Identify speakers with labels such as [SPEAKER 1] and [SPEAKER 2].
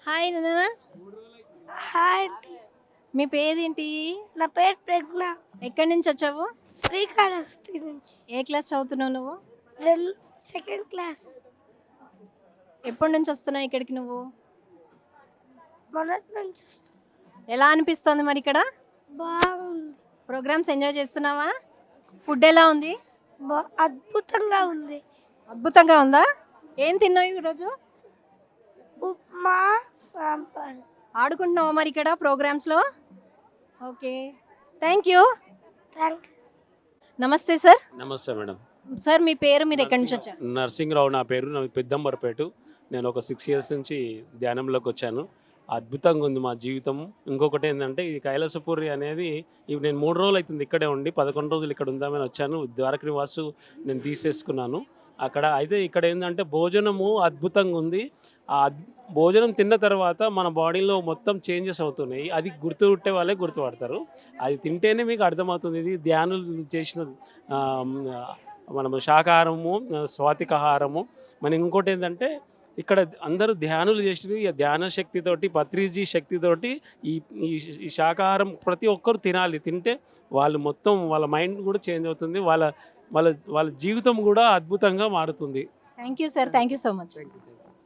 [SPEAKER 1] Hi నాన్న.
[SPEAKER 2] Hi,
[SPEAKER 1] మీ పేరేంటి?
[SPEAKER 2] నా పేరు ప్రజ్ఞ.
[SPEAKER 1] ఎక్కడి నుంచి వచ్చావు?
[SPEAKER 2] శ్రీకాళహస్తి నుంచి.
[SPEAKER 1] ఏ క్లాస్ చదువుతున్నావు నువ్వు?
[SPEAKER 2] Second class.
[SPEAKER 1] ఎప్పటి నుంచి వస్తున్నావు ఇక్కడికి నువ్వు?
[SPEAKER 2] మొదటి నుంచి వస్తుంది.
[SPEAKER 1] ఎలా అనిపిస్తుంది మరి ఇక్కడ?
[SPEAKER 2] బాగుంది.
[SPEAKER 1] ప్రోగ్రామ్స్ ఎంజాయ్ చేస్తున్నావా? ఫుడ్ ఎలా ఉంది?
[SPEAKER 2] అద్భుతంగా ఉంది.
[SPEAKER 1] అద్భుతంగా ఉందా? ఏం తిన్నావు ఈరోజు?
[SPEAKER 2] ఉప్మా, సాంబార్.
[SPEAKER 1] ఆడుకుంటున్నావా మరి ఇక్కడ ప్రోగ్రామ్స్లో? Okay, thank you.
[SPEAKER 2] Thank
[SPEAKER 1] namaste sir.
[SPEAKER 3] Namaste madam.
[SPEAKER 1] Sir మీ పేరు, మీరు ఎక్కడి నుంచి వచ్చారు?
[SPEAKER 3] నరసింహరావు నా పేరు. నా పెద్దంబరపేట. నేను ఒక 6 ఇయర్స్ నుంచి ధ్యానంలోకి వచ్చాను. అద్భుతంగా ఉంది మా జీవితం. ఇంకొకటి ఏంటంటే ఈ కైలాసపూరి అనేది ఇప్పుడు నేను 3 రోజులు అవుతుంది ఇక్కడే ఉండి 11 రోజులు ఇక్కడ ఉందామని వచ్చాను. ద్వారక నివాసు నేను తీసేసుకున్నాను అక్కడ. అయితే ఇక్కడ ఏంటంటే భోజనము అద్భుతంగా ఉంది. ఆ భోజనం తిన్న తర్వాత మన బాడీలో మొత్తం చేంజెస్ అవుతున్నాయి. అది గుర్తుపెట్టే వాళ్ళే గుర్తుపడతారు. అది తింటేనే మీకు అర్థమవుతుంది. ఇది ధ్యానులు చేసిన మనము శాకాహారము, స్వాతికాహారము. మన ఇంకోటి ఏంటంటే ఇక్కడ అందరూ ధ్యానులు చేసి ఈ ధ్యాన శక్తితోటి, పత్రిజీ శక్తితోటి ఈ ఈ శాకాహారం ప్రతి ఒక్కరు తినాలి. తింటే వాళ్ళు మొత్తం వాళ్ళ మైండ్ కూడా చేంజ్ అవుతుంది. వాళ్ళ వాళ్ళ వాళ్ళ జీవితం కూడా అద్భుతంగా మారుతుంది.
[SPEAKER 1] Thank you sir, thank you so much.
[SPEAKER 3] Thank you.